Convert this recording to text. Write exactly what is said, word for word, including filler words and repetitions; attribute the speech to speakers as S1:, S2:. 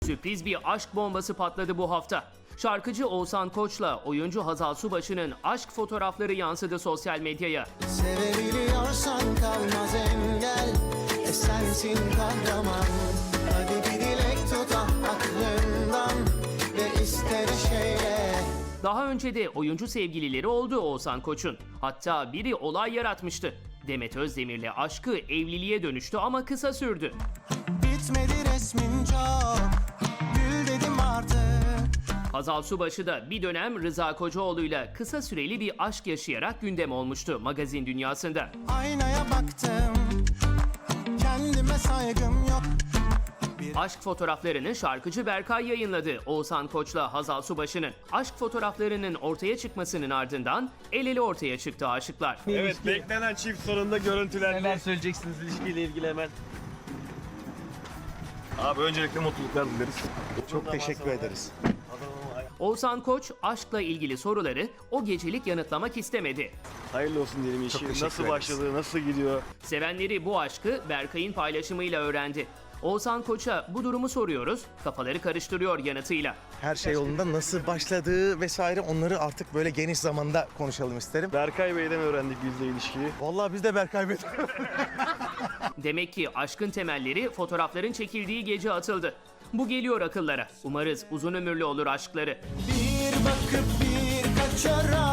S1: Sürpriz bir aşk bombası patladı bu hafta. Şarkıcı Oğuzhan Koç'la oyuncu Hazal Subaşı'nın aşk fotoğrafları yansıdı sosyal medyaya.
S2: Sevebiliyorsan kalmaz engel, e sensin kahraman. Hadi bir dilek tut aklından ve iste bir şeyle.
S1: Daha önce de oyuncu sevgilileri oldu Oğuzhan Koç'un. Hatta biri olay yaratmıştı. Demet Özdemir'le aşkı evliliğe dönüştü ama kısa sürdü.
S2: Bitmedi resmin çok, gül dedim artık.
S1: Hazal Subaşı da bir dönem Rıza Kocaoğlu'yla kısa süreli bir aşk yaşayarak gündem olmuştu magazin dünyasında.
S2: Aynaya baktım, kendime saygım yok.
S1: Aşk fotoğraflarını şarkıcı Berkay yayınladı Oğuzhan Koç'la Hazal Subaşı'nın. Aşk fotoğraflarının ortaya çıkmasının ardından el ele ortaya çıktı aşıklar.
S3: Evet, beklenen çift sonunda görüntülendi.
S4: Neler söyleyeceksiniz ilişkiyle ilgili hemen?
S3: Abi öncelikle mutluluklar dileriz.
S5: Çok teşekkür ederiz.
S1: Oğuzhan Koç aşkla ilgili soruları o gecelik yanıtlamak istemedi.
S3: Hayırlı olsun diyelim işi.
S5: teşekkür
S3: Nasıl
S5: ederiz.
S3: başladı, nasıl gidiyor?
S1: Sevenleri bu aşkı Berkay'ın paylaşımıyla öğrendi. Oğuzhan Koç'a bu durumu soruyoruz, kafaları karıştırıyor yanıtıyla.
S5: Her şey yolunda nasıl başladığı vesaire onları artık böyle geniş zamanda konuşalım isterim.
S3: Berkay Bey'den öğrendik biz de ilişkiyi.
S5: Vallahi biz de Berkay Bey.
S1: Demek ki aşkın temelleri fotoğrafların çekildiği gece atıldı. Bu geliyor akıllara. Umarız uzun ömürlü olur aşkları.
S2: Bir bakıp bir kaçarak